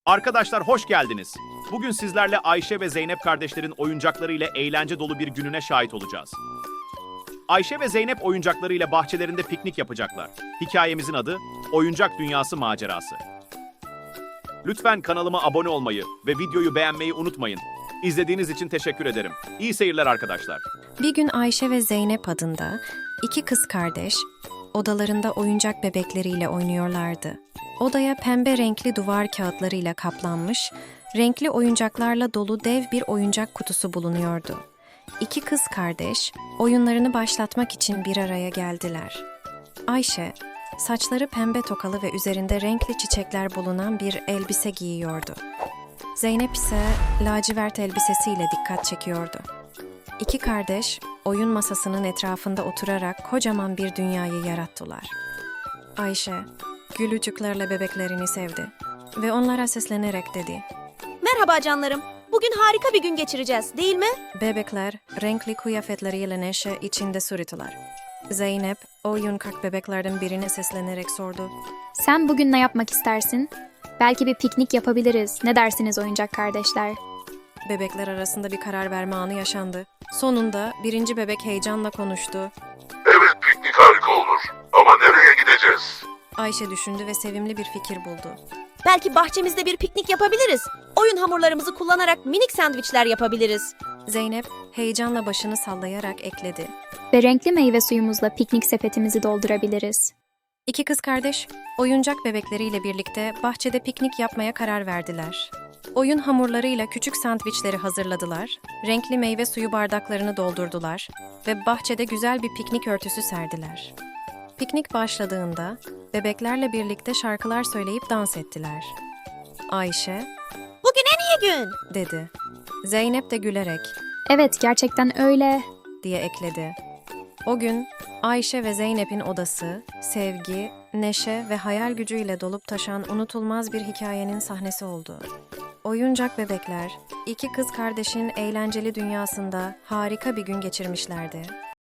Arkadaşlar hoş geldiniz. Bugün sizlerle Ayşe ve Zeynep kardeşlerin oyuncaklarıyla eğlence dolu bir gününe şahit olacağız. Ayşe ve Zeynep oyuncaklarıyla bahçelerinde piknik yapacaklar. Hikayemizin adı Oyuncak Dünyası Macerası. Lütfen kanalıma abone olmayı ve videoyu beğenmeyi unutmayın. İzlediğiniz için teşekkür ederim. İyi seyirler arkadaşlar. Bir gün Ayşe ve Zeynep adında iki kız kardeş odalarında oyuncak bebekleriyle oynuyorlardı. Odaya pembe renkli duvar kağıtlarıyla kaplanmış, renkli oyuncaklarla dolu dev bir oyuncak kutusu bulunuyordu. İki kız kardeş oyunlarını başlatmak için bir araya geldiler. Ayşe, saçları pembe tokalı ve üzerinde renkli çiçekler bulunan bir elbise giyiyordu. Zeynep ise lacivert elbisesiyle dikkat çekiyordu. İki kardeş oyun masasının etrafında oturarak kocaman bir dünyayı yarattılar. Ayşe, gülücüklerle bebeklerini sevdi ve onlara seslenerek dedi. Merhaba canlarım. Bugün harika bir gün geçireceğiz, değil mi? Bebekler renkli kıyafetleriyle neşe içinde sürüttüler. Zeynep, oyuncak bebeklerden birine seslenerek sordu. Sen bugün ne yapmak istersin? Belki bir piknik yapabiliriz. Ne dersiniz oyuncak kardeşler? Bebekler arasında bir karar verme anı yaşandı. Sonunda birinci bebek heyecanla konuştu. Evet, piknik harika olur. Ama nereye gideceğiz? Ayşe düşündü ve sevimli bir fikir buldu. Belki bahçemizde bir piknik yapabiliriz. Oyun hamurlarımızı kullanarak minik sandviçler yapabiliriz. Zeynep heyecanla başını sallayarak ekledi. Ve renkli meyve suyumuzla piknik sepetimizi doldurabiliriz. İki kız kardeş oyuncak bebekleriyle birlikte bahçede piknik yapmaya karar verdiler. Oyun hamurlarıyla küçük sandviçleri hazırladılar, renkli meyve suyu bardaklarını doldurdular ve bahçede güzel bir piknik örtüsü serdiler. Piknik başladığında bebeklerle birlikte şarkılar söyleyip dans ettiler. Ayşe, Bugün en iyi gün. dedi. Zeynep de gülerek, Evet, gerçekten öyle. diye ekledi. O gün Ayşe ve Zeynep'in odası, sevgi, neşe ve hayal gücüyle dolup taşan unutulmaz bir hikayenin sahnesi oldu. Oyuncak bebekler, iki kız kardeşin eğlenceli dünyasında harika bir gün geçirmişlerdi.